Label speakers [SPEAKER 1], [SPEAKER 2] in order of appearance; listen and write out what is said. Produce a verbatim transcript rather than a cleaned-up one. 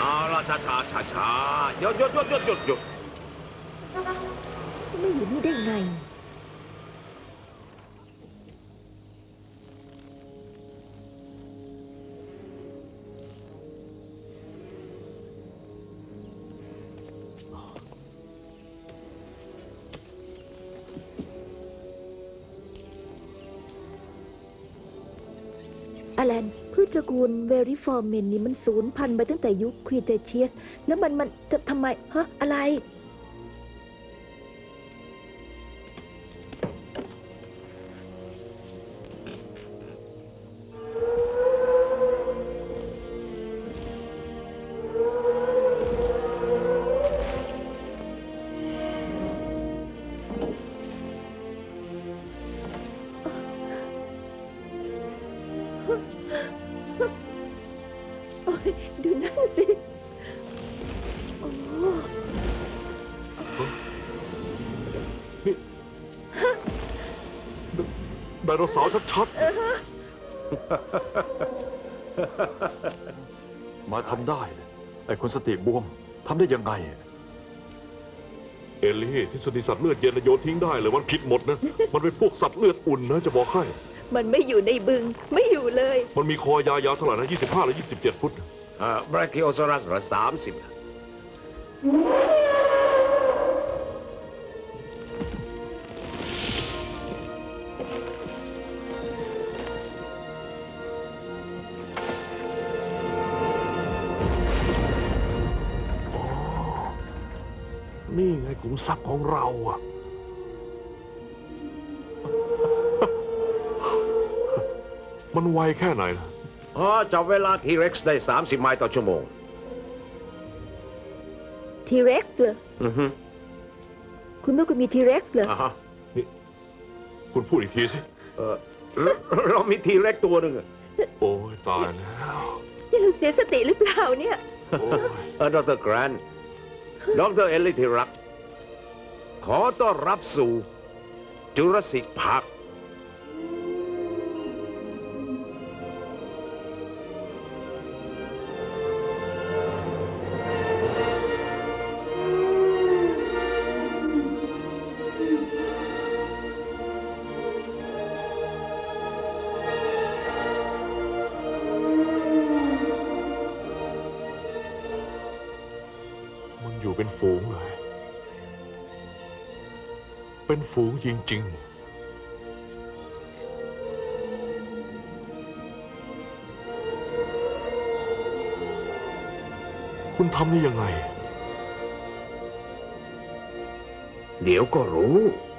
[SPEAKER 1] เอาละช้าช้าช้าช้าหยุดหยุดหยุดหยุดหยุดหยุด
[SPEAKER 2] ไม่อยู่นี่ได้ไงอแลนพืชตระกูลเวริฟอร์เมนนี่มันสูญพันธุ์ไปตั้งแต่ยุคครีเทเชียสแล้วมันมันทำไมฮะอะไรโอ้ยดูนั่นสิโอ้
[SPEAKER 3] นี่ไดโนเสาร์ชัดๆมาทำได้ไอ้คนสติบวมทำได้ยังไงเอลลี่ที่สติสัตว์เลือดเย็นโยนทิ้งได้เลยมันผิดหมดนะมันเป็นพวกสัตว์เลือดอุ่นนะจะบอกให้
[SPEAKER 2] มันไม่อยู่ในบึงไม่อยู่เลย
[SPEAKER 3] มันมีคอยาวๆเท่าไหร่นะยี่สิบห้าหรือยี่สิบเจ็ดฟุต
[SPEAKER 1] อ่าบราคิโอซอรัสเหรอสามสิบ
[SPEAKER 3] นี่ไงขุมทรัพย์ของเราอ่ะมันไวแค่ไหนล่ะ
[SPEAKER 1] อ๋อจับเวลาทีเร็กซ์ได้สามสิบไมล์ต่อชั่วโมง
[SPEAKER 2] ทีเร็กซ์เหรออือฮึคุณต้องมีทีเร็กซ์เหรอ
[SPEAKER 3] อ่าฮะนี่คุณพูดอีกทีสิ
[SPEAKER 1] เออเรามีทีเร็กซ์ตัวหนึ่ง
[SPEAKER 3] โอ้ยตายแล้ว
[SPEAKER 2] นี่เราเสียสติหรือเปล่าเนี่ย
[SPEAKER 1] เออดรแกรนท์ดรเอลลี่ที่รักขอต้อนรับสู่จูราสสิกพาร์ค
[SPEAKER 3] อยู่เป็นฝูงเลยเป็นฝูงจริงๆคุณทำได้ยังไง
[SPEAKER 1] เดี๋ยวก็รู้